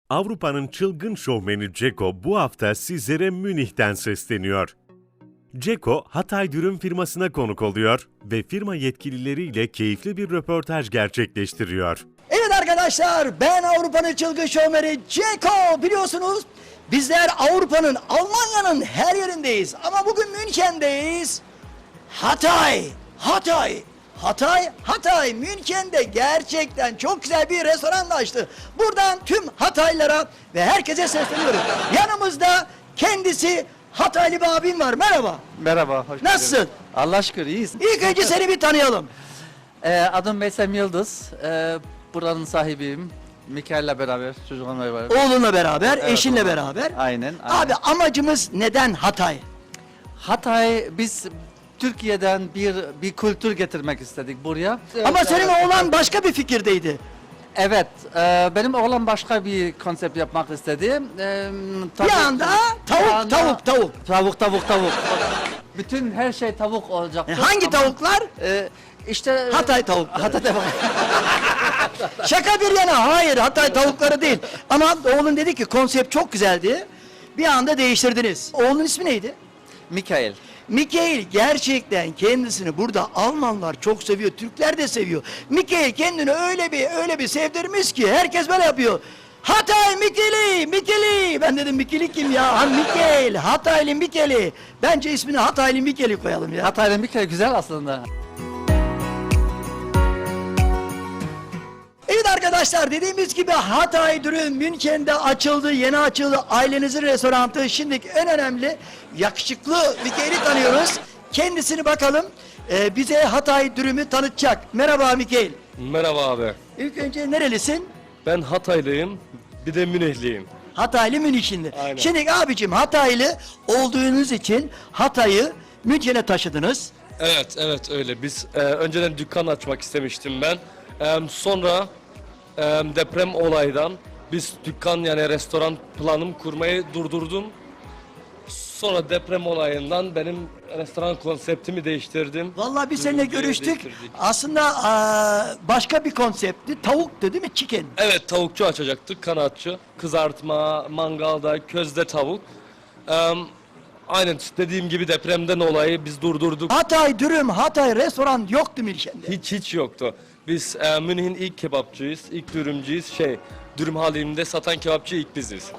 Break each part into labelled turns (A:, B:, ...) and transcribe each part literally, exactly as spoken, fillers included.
A: Avrupa'nın çılgın şovmeni Ceko bu hafta sizlere Münih'ten sesleniyor. Ceko, Hatay Dürüm firmasına konuk oluyor ve firma yetkilileriyle keyifli bir röportaj gerçekleştiriyor.
B: Evet arkadaşlar, ben Avrupa'nın çılgın şovmeni Ceko. Biliyorsunuz bizler Avrupa'nın, Almanya'nın her yerindeyiz. Ama bugün München'deyiz. Hatay, Hatay, Hatay, Hatay. Münken'de gerçekten çok güzel bir restoran açtı. Buradan tüm Hataylılara ve herkese sesleniyorum. Yanımızda kendisi Hataylı bir abim var. Merhaba.
C: Merhaba, hoş
B: Nasılsın?
C: geldin. Allah şükür iyiyiz.
B: İlk önce seni bir tanıyalım.
C: Ee, adım Meysem Yıldız. Ee, buranın sahibiyim. Mikael'le beraber, çocuklarımla beraber.
B: Oğlunla beraber,
C: Evet,
B: eşinle
C: oğlum.
B: beraber.
C: Aynen, aynen.
B: Abi amacımız neden Hatay?
C: Hatay, biz Türkiye'den bir bir kültür getirmek istedik buraya.
B: Ama
C: Evet,
B: senin
C: evet.
B: oğlan başka bir fikirdeydi.
C: Evet, e, benim oğlan başka bir konsept yapmak istedi. Ee,
B: Bir
C: tabii-
B: anda
C: bir
B: tavuk,
C: anda-
B: tavuk, tavuk.
C: Tavuk, tavuk, tavuk. Bütün her şey tavuk olacaktı.
B: E, hangi
C: Ama,
B: tavuklar?
C: e, işte
B: Hatay tavukları.
C: Hatay tavuk.
B: Şaka bir yana, hayır Hatay tavukları değil. Ama oğlun dedi ki konsept çok güzeldi. Bir anda değiştirdiniz. Oğlun ismi neydi?
C: Mikael.
B: Mikail gerçekten kendisini burada Almanlar çok seviyor, Türkler de seviyor. Mikail kendini öyle bir öyle bir sevdirmiş ki herkes böyle yapıyor. Hatay Mikeli, Mikeli. Ben dedim Mikeli kim ya? Ha Mikail, Hataylı Mikeli. Bence ismini Hataylı Mikeli koyalım ya.
C: Hatay'ın Mikael güzel aslında.
B: Evet arkadaşlar, dediğimiz gibi Hatay Dürüm München'de açıldı, yeni açıldı. Ailenizin restoranı. Şimdi en önemli yakışıklı Mikail'i tanıyoruz. Kendisini bakalım e, bize Hatay Dürüm'ü tanıtacak. Merhaba Mikail.
D: Merhaba abi.
B: İlk önce nerelisin?
D: Ben Hataylıyım. Bir de Münihliyim.
B: Hataylı Münih'inde.
D: Aynen.
B: Şimdi abicim Hataylı olduğunuz için Hatay'ı München'e taşıdınız.
D: Evet, evet öyle. Biz e, önceden dükkan açmak istemiştim ben. E, sonra e, deprem olaydan biz dükkan yani restoran planım kurmayı durdurdum. Sonra deprem olayından benim restoran konseptimi değiştirdim.
B: Vallahi biz seninle
D: Dürümcüye
B: görüştük.
D: değiştirdik.
B: Aslında aa, başka bir konseptti. Tavuktu değil mi? Chicken.
D: Evet, tavukçu açacaktık, kanatçı. Kızartma, mangalda, közde tavuk. E, aynen dediğim gibi depremden olayı biz durdurduk.
B: Hatay Dürüm, Hatay restoran yoktu München'de.
D: Hiç hiç yoktu. Biz e, Münih'in ilk kebapçıyız, ilk dürümcüyüz. Şey, dürüm halinde satan kebapçı ilk biziz.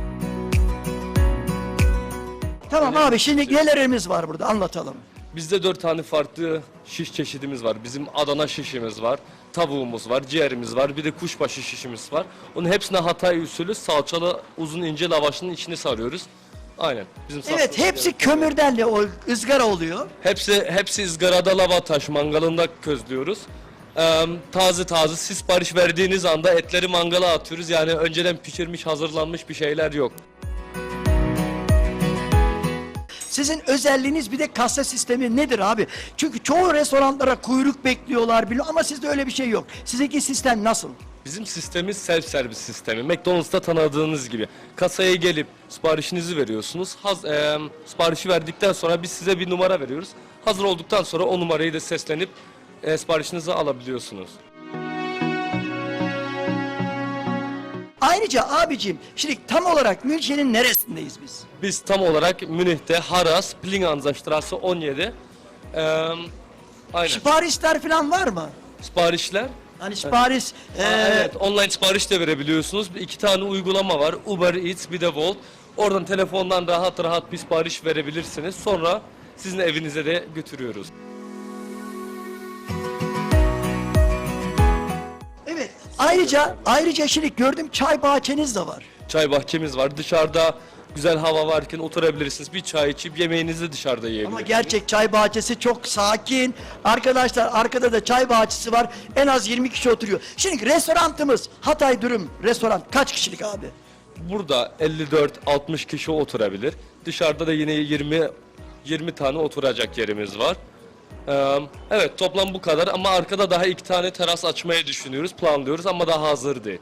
B: Tamam abi, şimdi nelerimiz var burada anlatalım.
D: Bizde dört tane farklı şiş çeşidimiz var. Bizim Adana şişimiz var, tavuğumuz var, ciğerimiz var, bir de kuşbaşı şişimiz var. Onun hepsine Hatay usulü salçalı uzun ince lavaşın içine sarıyoruz. Aynen. Bizim
B: Evet,
D: sattığımız
B: hepsi
D: yer.
B: kömürden o ızgara oluyor.
D: Hepsi hepsi ızgarada lava taş mangalında közlüyoruz. Ee, taze taze siz sipariş verdiğiniz anda etleri mangala atıyoruz. Yani önceden pişirmiş, hazırlanmış bir şeyler yok.
B: Sizin özelliğiniz bir de kasa sistemi nedir abi? Çünkü çoğu restoranlara kuyruk bekliyorlar biliyor ama sizde öyle bir şey yok. Sizdeki sistem nasıl?
D: Bizim sistemimiz self servis sistemi. McDonald's'ta tanıdığınız gibi. Kasaya gelip siparişinizi veriyorsunuz. Haz, e, siparişi verdikten sonra biz size bir numara veriyoruz. Hazır olduktan sonra o numarayı da seslenip e, siparişinizi alabiliyorsunuz.
B: Ayrıca abicim, şimdi tam olarak München'in neresindeyiz biz?
D: Biz tam olarak Münih'te Haras, Plinganzastrasse on yedi. E, aynen.
B: Siparişler falan var mı?
D: Siparişler.
B: Hani sipariş...
D: Aa,
B: eee,
D: evet, online sipariş de verebiliyorsunuz. İki tane uygulama var. Uber Eats, bir de Volt. Oradan telefondan rahat rahat bir sipariş verebilirsiniz. Sonra sizin evinize de götürüyoruz.
B: Evet. Ayrıca ayrıca şimdi gördüm çay bahçeniz de var.
D: Çay bahçemiz var. Dışarıda güzel hava varken oturabilirsiniz. Bir çay içip yemeğinizi dışarıda yiyebilirsiniz.
B: Ama gerçek çay bahçesi çok sakin. Arkadaşlar arkada da çay bahçesi var. En az yirmi kişi oturuyor. Şimdi restoranımız Hatay Dürüm restoran kaç kişilik abi?
D: Burada elli dört altmış kişi oturabilir. Dışarıda da yine yirmi yirmi tane oturacak yerimiz var. Ee, evet, toplam bu kadar ama arkada daha iki tane teras açmayı düşünüyoruz, planlıyoruz ama daha hazır değil.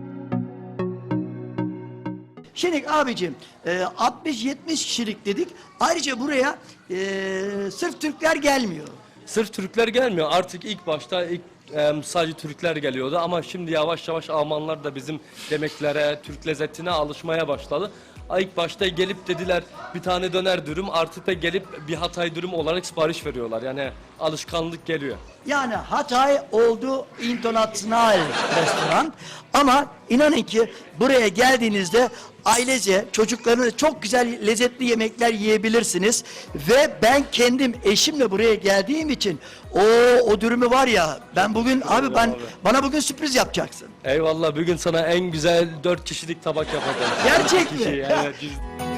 B: Şimdi abicim e, altmış yetmiş kişilik dedik. Ayrıca buraya e, sırf Türkler gelmiyor.
D: Sırf Türkler gelmiyor. Artık ilk başta ilk e, sadece Türkler geliyordu ama şimdi yavaş yavaş Almanlar da bizim yemeklere, Türk lezzetine alışmaya başladı. İlk başta gelip dediler bir tane döner dürüm, artık da gelip bir Hatay dürüm olarak sipariş veriyorlar. Yani alışkanlık geliyor.
B: Yani Hatay oldu internasyonel restoran ama inanın ki buraya geldiğinizde ailece çocuklarınızla çok güzel lezzetli yemekler yiyebilirsiniz ve ben kendim eşimle buraya geldiğim için o o dürümü var ya ben bugün abi ben
D: abi.
B: bana bugün sürpriz yapacaksın.
D: Eyvallah, bugün sana en güzel dört kişilik tabak yapacağım.
B: Gerçek
D: İki kişi,
B: mi?
D: evet, biz-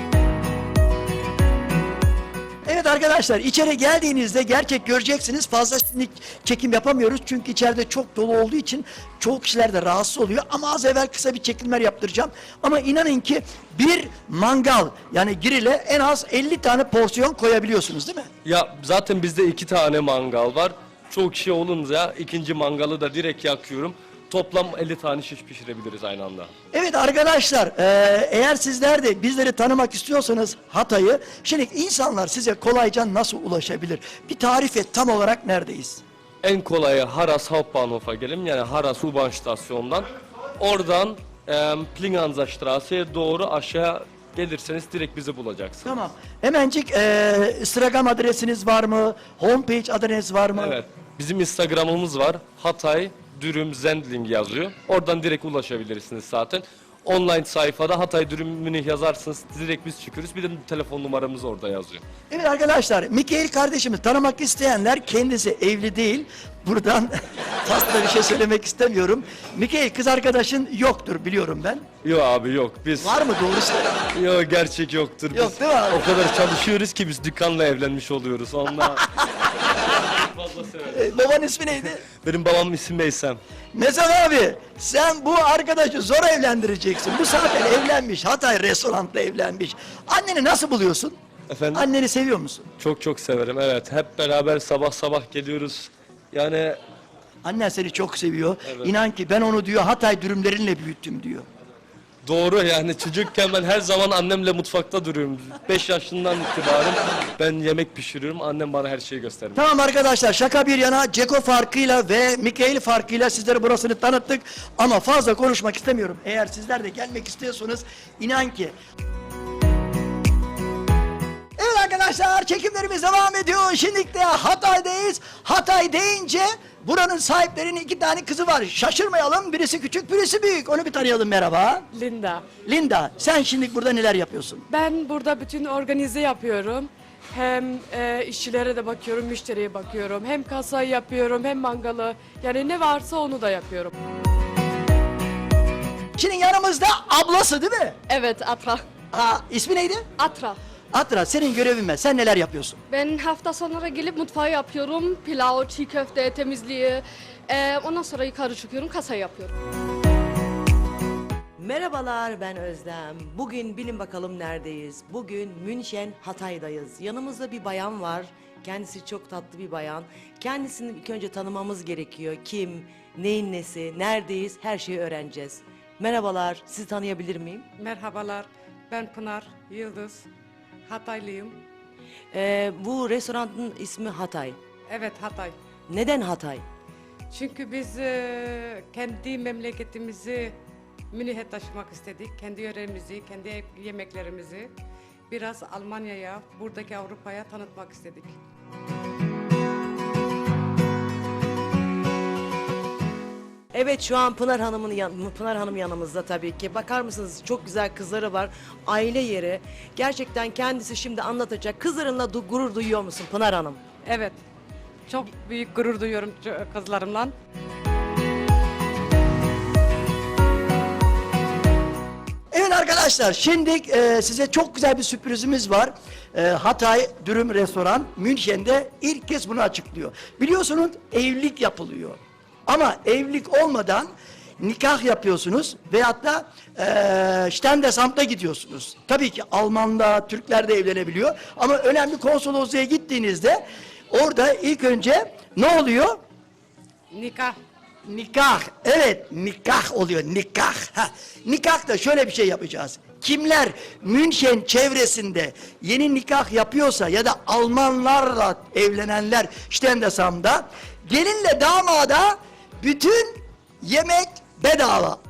B: Evet arkadaşlar içeri geldiğinizde gerçek göreceksiniz. Fazla şimdi çekim yapamıyoruz çünkü içeride çok dolu olduğu için çoğu kişiler de rahatsız oluyor. Ama az evvel kısa bir çekimler yaptıracağım. Ama inanın ki bir mangal yani grille en az elli tane porsiyon koyabiliyorsunuz değil mi?
D: Ya zaten bizde iki tane mangal var. Çok kişi olunca ikinci mangalı da direkt yakıyorum. Toplam elli tane şiş pişirebiliriz aynı anda.
B: Evet arkadaşlar eee, eğer sizler de bizleri tanımak istiyorsanız Hatay'ı şimdi insanlar size kolayca nasıl ulaşabilir? Bir tarif et tam olarak neredeyiz?
D: En kolayı Haras Hauptbahnhof'a gelin, yani Haras U-Bahn stasyonundan. Oradan e, Plinganza Strasse'ye doğru aşağı gelirseniz direkt bizi bulacaksınız.
B: Tamam. Hemencik eee Instagram adresiniz var mı? Homepage adres var mı?
D: Evet. Bizim Instagram'ımız var. Hatay Dürüm Zendling yazıyor. Oradan direkt ulaşabilirsiniz zaten. Online sayfada Hatay Dürüm Münih yazarsınız. Direkt biz çıkıyoruz. Bir de telefon numaramız orada yazıyor.
B: Evet arkadaşlar, Mikail kardeşimi tanımak isteyenler kendisi evli değil. Buradan fazla bir şey söylemek istemiyorum. Mikail kız arkadaşın yoktur biliyorum ben.
D: Yok abi yok. Biz
B: Var mı doğru söyle?
D: Yok, gerçek yoktur.
B: Yok,
D: Biz
B: değil mi abi?
D: o kadar çalışıyoruz ki biz dükkanla evlenmiş oluyoruz. Onunla fazla severim.
B: Ee, babanın ismi neydi?
D: Benim babamın ismi Meysem.
B: Mesut abi sen bu arkadaşı zor evlendireceksin. Bu zaten evlenmiş. Hatay restoranda evlenmiş. Anneni nasıl buluyorsun?
D: Efendim?
B: Anneni seviyor musun?
D: Çok çok severim, evet. Hep beraber sabah sabah geliyoruz. Yani
B: Annen seni çok seviyor.
D: Evet.
B: İnan ki ben onu diyor Hatay dürümlerinle büyüttüm diyor.
D: doğru, yani çocukken ben her zaman annemle mutfakta duruyorum. beş yaşından itibaren ben yemek pişiriyorum. Annem bana her şeyi göstermiş.
B: Tamam arkadaşlar şaka bir yana Ceko farkıyla ve Mikail farkıyla sizlere burasını tanıttık. Ama fazla konuşmak istemiyorum. Eğer sizler de gelmek istiyorsanız inan ki. Evet arkadaşlar çekimlerimiz devam ediyor. Şimdi de Hatay'dayız. Hatay deyince buranın sahiplerinin iki tane kızı var. Şaşırmayalım. Birisi küçük birisi büyük. Onu bir tanıyalım merhaba.
E: Linda.
B: Linda sen şimdi burada neler yapıyorsun?
E: Ben burada bütün organize yapıyorum. Hem e, işçilere de bakıyorum, müşteriye bakıyorum. Hem kasayı yapıyorum, hem mangalı. Yani ne varsa onu da yapıyorum.
B: Şimdi yanımızda ablası değil mi?
F: Evet, Atra.
B: Aa, ismi neydi?
F: Atra.
B: Atra senin görevin ne? Sen neler yapıyorsun?
F: Ben hafta sonları gelip mutfağı yapıyorum. Pilav, çiğ köfte, temizliği. Ee, ondan sonra yukarı çıkıyorum, kasayı yapıyorum.
G: Merhabalar, ben Özlem. Bugün bilin bakalım neredeyiz? Bugün München, Hatay'dayız. Yanımızda bir bayan var. Kendisi çok tatlı bir bayan. Kendisini ilk önce tanımamız gerekiyor. Kim, neyin nesi, neredeyiz, her şeyi öğreneceğiz. Merhabalar, sizi tanıyabilir miyim?
E: Merhabalar, ben Pınar Yıldız. Hataylıyım.
G: Ee, bu restoranın ismi Hatay.
E: Evet, Hatay.
G: Neden Hatay?
E: Çünkü biz e, kendi memleketimizi Münih'e taşımak istedik. Kendi yöremizi, kendi yemeklerimizi biraz Almanya'ya, buradaki Avrupa'ya tanıtmak istedik.
G: Evet, şu an Pınar Hanım'ın yan, Pınar Hanım yanımızda tabii ki. Bakar mısınız, çok güzel kızları var. Aile yeri. Gerçekten kendisi şimdi anlatacak. Kızlarınla du- gurur duyuyor musun Pınar Hanım?
E: Evet, çok büyük gurur duyuyorum kızlarımla.
B: Evet arkadaşlar şimdi e, size çok güzel bir sürprizimiz var. E, Hatay Dürüm Restoran München'de ilk kez bunu açıklıyor. Biliyorsunuz evlilik yapılıyor. Ama evlilik olmadan nikah yapıyorsunuz veyahut da e, Standesamt'a gidiyorsunuz. Tabii ki Alman'da, Türkler de evlenebiliyor. Ama önemli konsolosluğa gittiğinizde orada ilk önce ne oluyor?
E: Nikah.
B: Nikah, evet nikah oluyor, nikah. Ha, nikahta şöyle bir şey yapacağız. Kimler München çevresinde yeni nikah yapıyorsa ya da Almanlarla evlenenler Standesamt'da gelinle damada Bütün yemek bedava.